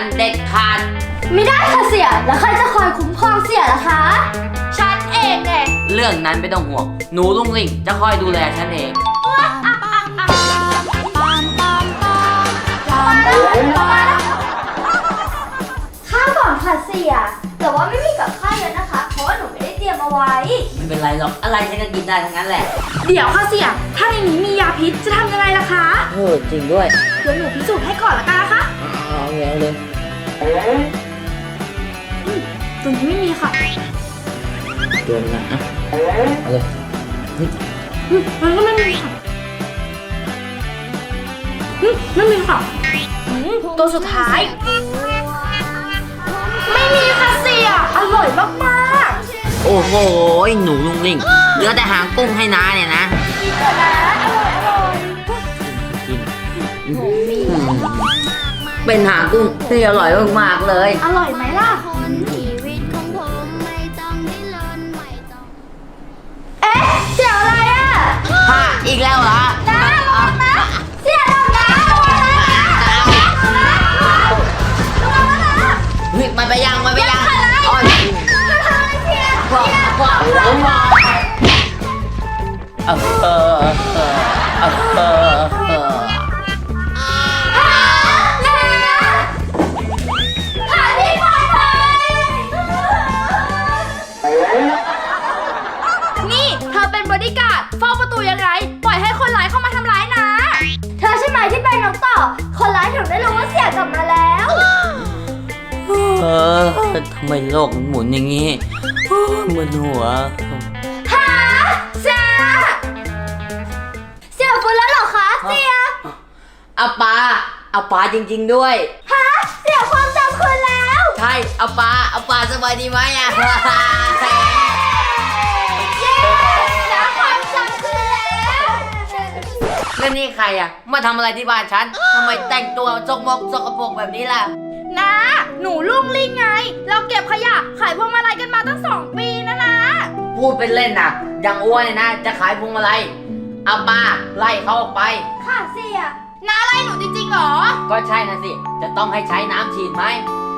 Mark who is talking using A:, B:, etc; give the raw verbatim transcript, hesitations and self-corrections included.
A: นเด็ดขาด
B: ไม่ได้ค่ะเสี่ยแล้วใครจะคอยคุ้มครองเสี่ยล่ะคะฉันเองไง
A: เรื่องนั้นไม่ต้องห่วงหนูลุงลิงจะคอยดูแลฉันเอง
B: ข้าวก่อนค่ะเสี่ยแต่ว่าไม่มีกับข้าวเยอะนะคะเพราะว่าหนูไม่ได้เตรียมเอาไว้
A: ไม่เป็นไรหรอกอะไรฉันก็กินได้ทั้งนั้นแหละ
B: เดี๋ยวค่ะเสี่ยถ้าในนี้มียาพิษจะทำยังไงล่ะคะ
A: เออจริงด้วย
B: เดี๋ยวหนูพิสูจน์ให้ก่อนละกันนะคะ
A: เอาเลยเอาเลย
B: ตรงนี้ไม่มีค่ะ
A: เดินนะเอาเลย
B: มันก็ไม่มีค่ะไม่มีค่ะตัวสุดท้ายไม่มีค่ะเสี่ยอร่อยมาก
A: ๆโอ้โหหนูลุงลิงเหลือแต่หางกุ้งให้น้าเนี่ยนะ
B: กินเถอะนะอร่อยอร่อย
A: กินเป็นหางกุ้งที่อร่อยมากๆเลย
B: อร่อยไหมล่ะเอ๊ะเสี่ยอะไรอ่ะ
A: ฮะอีกแล้วเหรอ
B: น้าระวังนะเสี่ยทำนะระวังนะ
A: เฮ้ยมันไปยังมันไปยังอ๋อพอพอพอเออเออเออเออเออ
B: นี่เธอเป็นบอดี้การ์ดเฝ้าประตูยังไงปล่อยให้คนร้ายเข้ามาทำร้ายนะเธอใช่ไหมที่เป็นน้องต่อคนร้ายถึงได้รู้ว่าเสี่ยกลับมาแล้ว
A: เออทำไมโลกมันหมุนอย่างงี้มึนหัว
B: ฮะเสี่ยเสี่ยฟื้นแล้วเหรอคะเสี่ย
A: อาปาอาปาจริงๆด้วย
B: ฮะเสี่ยความจำคืนแล้ว
A: ใช่อาปาอาปาสบายดีไหมอ่ะ
B: เย้แล้วความจำคืนแล้ว
A: แล้วนี่ใครอ่ะมาทำอะไรที่บ้านฉันทำไมแต่งตัวสกมกสกปรกแบบนี้ล่ะ
B: นะหนูลุงลิงไงเราเก็บขยะขายพวงมาลัยกันมาตั้งสองปีนะนะ
A: พูดเป็นเล่นนะอย่างอ้วนนะจะขายพวงมาลัยอาปาไล่เขาออกไป
B: ค่ะเสี่ยน้าไล่หนูจริงๆหรอ
A: ก็ใช่นะสิจะต้องให้ใช้น้ำฉีดไหม